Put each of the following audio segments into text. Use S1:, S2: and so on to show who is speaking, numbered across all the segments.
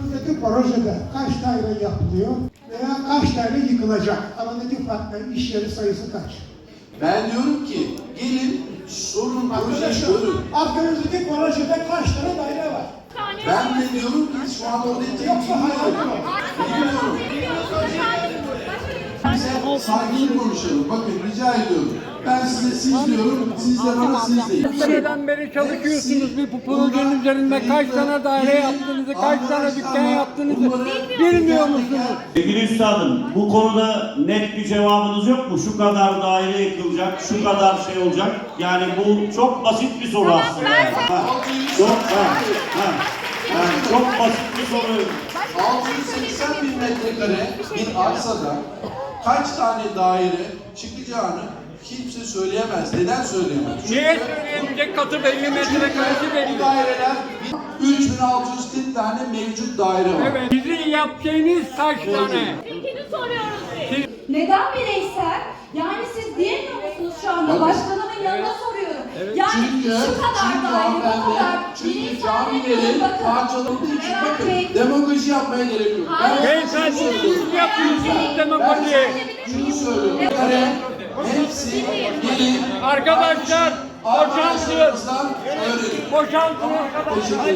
S1: Aklınızdaki projede kaç daire yapılıyor veya kaç daire yıkılacak? Aradaki farklı iş yeri sayısı kaç?
S2: Ben diyorum ki gelin sorun projeyi görün.
S1: Aklınızdaki projede kaç tane daire var?
S2: Ben de diyorum ki şu an orada
S1: Yoksa hayal mi?
S2: bilmiyorum. Bize sakin konuşalım. Bakın rica ediyorum. Ben size siz diyorum, siz de bana siz deyin.
S3: Seneden beri çalışıyorsunuz bir projenin üzerinde kaç tane daire yaptığınızı, kaç tane dükkan yaptığınızı bilmiyor musunuz?
S4: Sevgili üstadım, bu konuda net bir cevabınız yok mu? Şu kadar daire yıkılacak, şu kadar şey olacak. Yani bu çok basit bir soru aslında. Çok basit bir soru.
S2: 680 bin metrekare bir arsada kaç tane daire çıkacağını kimse söyleyemez. Neden söyleyemez?
S3: Niye söyleyemeyecek katı belli, metrekaresi
S2: Bu
S3: belli.
S2: daireler 3640 tane mevcut daire var.
S3: Evet, sizin yapacağınız kaç tane?
S5: Fikrini soruyoruz biz.
S6: Neden bireysel? Yani siz diyemiyor musunuz şu anda?
S2: Tabii.
S6: Başkanımın yanına soruyorum. Yani
S2: Çünkü
S6: şu kadar daire, bu kadar
S2: çünkü camilerin parçalandığı için bakın demagoji yapmaya gerek yok.
S3: Beyefendi siz yapıyorsunuz demagoji.
S2: Şunu söylüyorum. Hepsi gelin.
S3: Arkadaşlar boşaltın.
S2: Arkadaşlarımızdan öğrenin.
S3: Boşaltın arkadaşlar.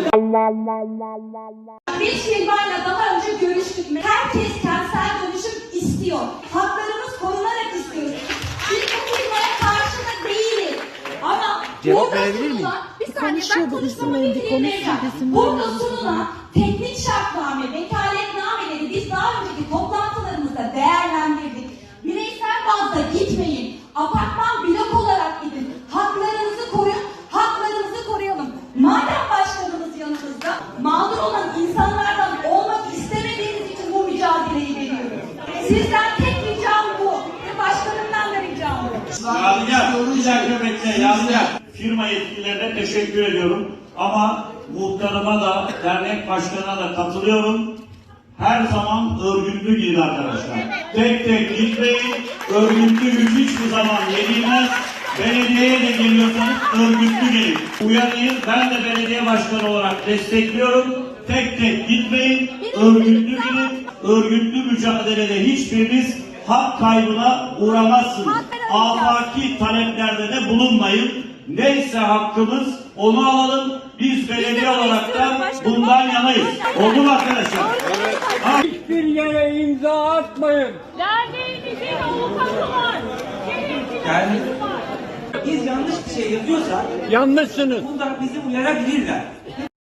S6: Biz firmayla daha önce görüştük. Herkes kentsel dönüşüm istiyor. Haklarımız korunarak istiyoruz. Biz bu firmaya karşı da değiliz. Ama
S7: Cevap verebilir miyim?
S6: Bir saniye ben konuşmamı bitireyim. Burada sunulan teknik şartname, vekaletnameleri biz daha önceki toplantılarımızda değerlendirdik. Bireysel bazda gitmeyin. Apartman blok olarak gidin. Haklarınızı koruyun. Haklarınızı koruyalım. Madem başkanımız yanımızda, mağdur olan insanlardan olmak istemediğiniz için bu mücadeleyi veriyoruz. Sizden tek ricam bu. Ve başkanımdan da ricam bu.
S4: Yadigar, bir dakika bekle Yadigar. Firma yetkililerine teşekkür ediyorum. Ama muhtarıma da, dernek başkanına da katılıyorum. Her zaman örgütlü gidin arkadaşlar. Tek tek gitmeyin. Örgütlü güç hiçbir zaman yenilmez. Belediyeye de geliyorsanız örgütlü gelin. Uyarıyı ben de belediye başkanı olarak destekliyorum. Tek tek gitmeyin. Örgütlü gidin. Örgütlü mücadelede hiçbiriniz hak kaybına uğramazsınız. Afaki taleplerde de bulunmayın. Neyse hakkımız onu alalım. Biz belediye olarak da bundan yanayız. Oldu mu arkadaşlar?
S3: Hiçbir yere imza atmayın.
S5: Derneğimizin avukatı var.
S7: Yani biz yanlış bir şey yazıyorsak
S3: Yanlışsınız.
S7: burada bizi uyarabilirler.